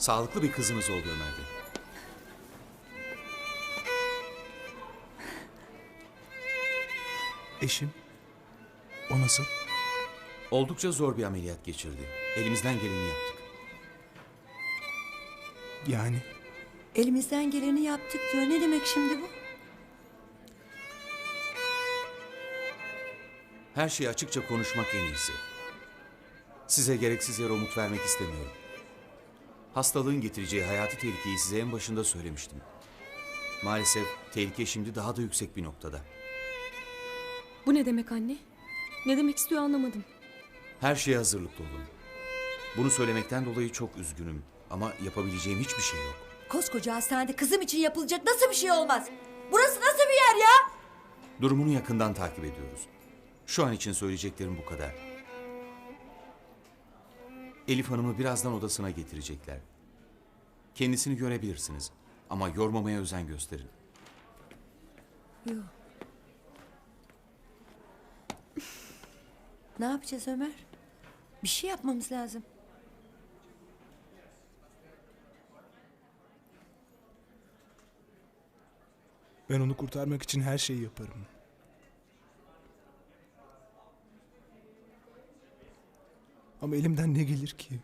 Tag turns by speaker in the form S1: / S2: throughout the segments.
S1: Sağlıklı bir kızınız oldu Ömer Bey.
S2: Eşim? O nasıl?
S1: Oldukça zor bir ameliyat geçirdi. Elimizden geleni yaptık.
S2: Yani
S3: Elimizden geleni yaptık diyor. Ne demek şimdi bu?
S1: Her şeyi açıkça konuşmak en iyisi. Size gereksiz yere umut vermek istemiyorum. Hastalığın getireceği hayati tehlikeyi size en başında söylemiştim. Maalesef tehlike şimdi daha da yüksek bir noktada.
S4: Bu ne demek anne? Ne demek istiyor anlamadım.
S1: Her şeye hazırlıklı olun. Bunu söylemekten dolayı çok üzgünüm ama yapabileceğim hiçbir şey yok.
S3: Koskoca hastanede kızım için yapılacak nasıl bir şey olmaz? Burası nasıl bir yer ya?
S1: Durumunu yakından takip ediyoruz. Şu an için söyleyeceklerim bu kadar. Elif Hanım'ı birazdan odasına getirecekler. Kendisini görebilirsiniz ama yormamaya özen gösterin.
S3: Yok. Ne yapacağız Ömer? Bir şey yapmamız lazım.
S2: ben onu kurtarmak için her şeyi yaparım. Ama elimden ne gelir ki?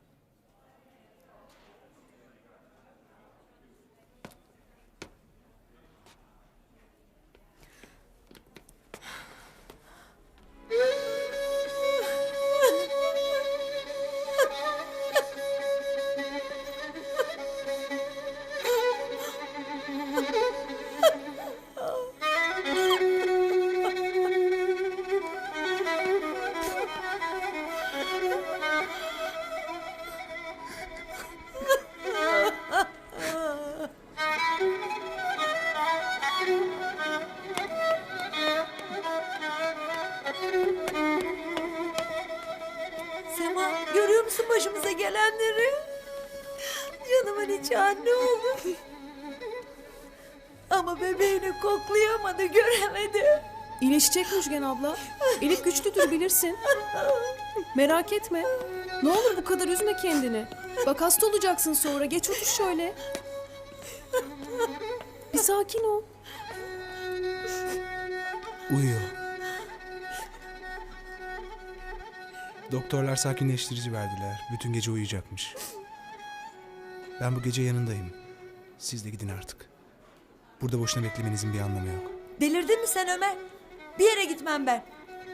S3: Sema görüyor musun başımıza gelenleri? Canımın içi anne oldu. Ama bebeğini koklayamadı, göremedi.
S5: İyileşecek Müjgan abla. Elif güçlüdür bilirsin. Merak etme. Ne olur bu kadar üzme kendini. Bak hasta olacaksın sonra. Geç otur şöyle. Bir sakin ol.
S2: Uyuyor. Doktorlar sakinleştirici verdiler. Bütün gece uyuyacakmış. Ben bu gece yanındayım. Siz de gidin artık. Burada boşuna beklemenizin bir anlamı yok.
S3: Delirdin mi sen Ömer? Bir yere gitmem ben.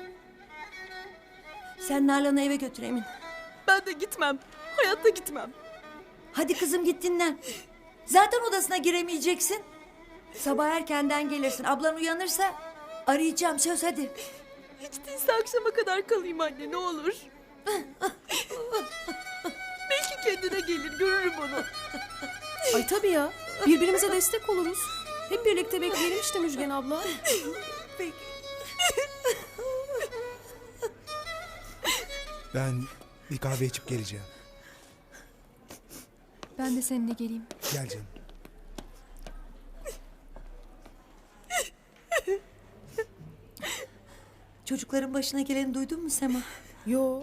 S3: Sen Nalan'ı eve götür Emin.
S4: Ben de gitmem. Hayatta gitmem.
S3: Hadi kızım git dinlen. Zaten odasına giremeyeceksin. Sabah erkenden gelirsin. Ablan uyanırsa arayacağım, söz hadi.
S4: Hiç değilse akşama kadar kalayım anne ne olur. Belki kendine gelir görürüm onu.
S5: Ay tabii ya. Birbirimize destek oluruz. Hep birlikte bekleyelim işte Müjgan abla.
S3: Peki.
S2: Ben bir kahve içip geleceğim.
S4: Ben de seninle geleyim.
S2: Gel canım.
S3: Çocukların başına geleni duydun mu Sema?
S5: Yo.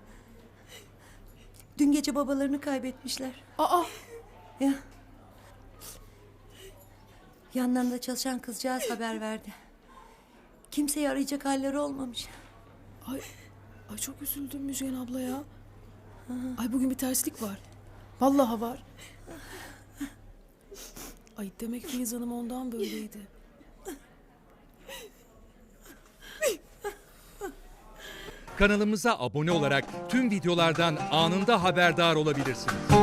S3: Dün gece babalarını kaybetmişler.
S5: Aa.
S3: Ya. Yanlarında çalışan kızcağız haber verdi. Kimseyi arayacak halleri olmamış.
S5: Ay çok üzüldüm Müjgan abla ya. Ay bugün bir terslik var. Vallahi var. Ay demek Filiz Hanım ondan böyleydi.
S6: Kanalımıza abone olarak tüm videolardan anında haberdar olabilirsiniz.